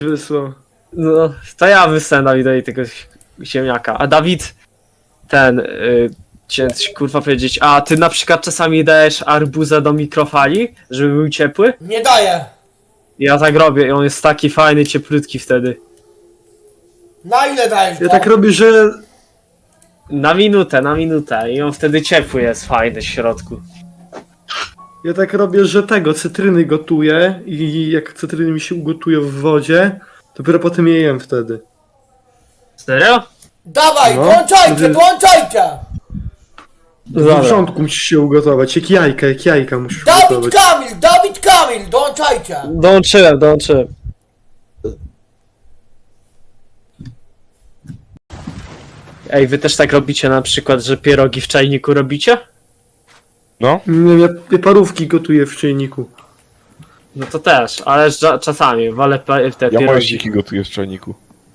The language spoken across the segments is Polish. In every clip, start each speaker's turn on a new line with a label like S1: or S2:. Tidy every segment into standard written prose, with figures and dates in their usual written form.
S1: wysłał.
S2: No, to ja wysłałem Dawidowi tego ziemniaka. A Dawid, chciałem coś kurwa powiedzieć, a ty na przykład czasami dajesz arbuza do mikrofali, żeby był ciepły?
S3: Nie daję.
S2: Ja tak robię i on jest taki fajny, cieplutki wtedy.
S3: Na ile dajesz
S1: Ja
S3: go?
S1: tak robię, że...
S2: Na minutę i on wtedy ciepły jest, fajny w środku.
S1: Ja tak robię, że cytryny gotuję i jak cytryny mi się ugotują w wodzie, dopiero potem je jem wtedy.
S2: Serio?
S3: Dawaj,
S1: No.
S3: włączajcie, włączajcie!
S1: W wrzątku musisz się ugotować, jak jajka musisz ugotować.
S3: Dawid Kamil, dołączajcie!
S2: Dołączyłem. Ej, wy też tak robicie na przykład, że pierogi w czajniku robicie?
S4: No?
S1: Nie, ja parówki gotuję w czajniku.
S2: No to też, ale czasami wolę te
S4: Ja moje
S2: pierogi.
S4: siki gotuję w czajniku.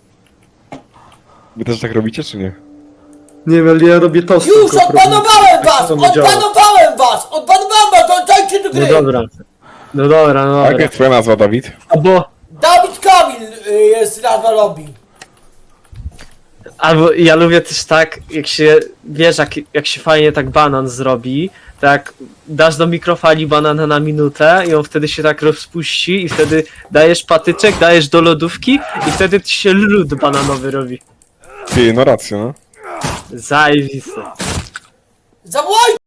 S4: Wy też tak robicie, czy nie?
S1: Nie wiem, ale ja robię tosty.
S3: Już
S1: tylko
S3: odbanowałem was!
S1: to nie działa.
S3: Odbanowałem was! Dołączajcie do
S2: No
S3: gry!
S2: dobra. No dobra.
S4: Jaka jest twoja nazwa, Dawid?
S2: Albo
S3: Dawid Kamil jest nazwa lobby.
S2: ja lubię też tak, jak się, wiesz, jak się fajnie tak banan zrobi, tak dasz do mikrofali banana na minutę i on wtedy się tak rozpuści i wtedy dajesz patyczek, dajesz do lodówki i wtedy ci się lód bananowy robi.
S4: Ty, no racja, no.
S2: Zajebiste.
S3: Zawołaj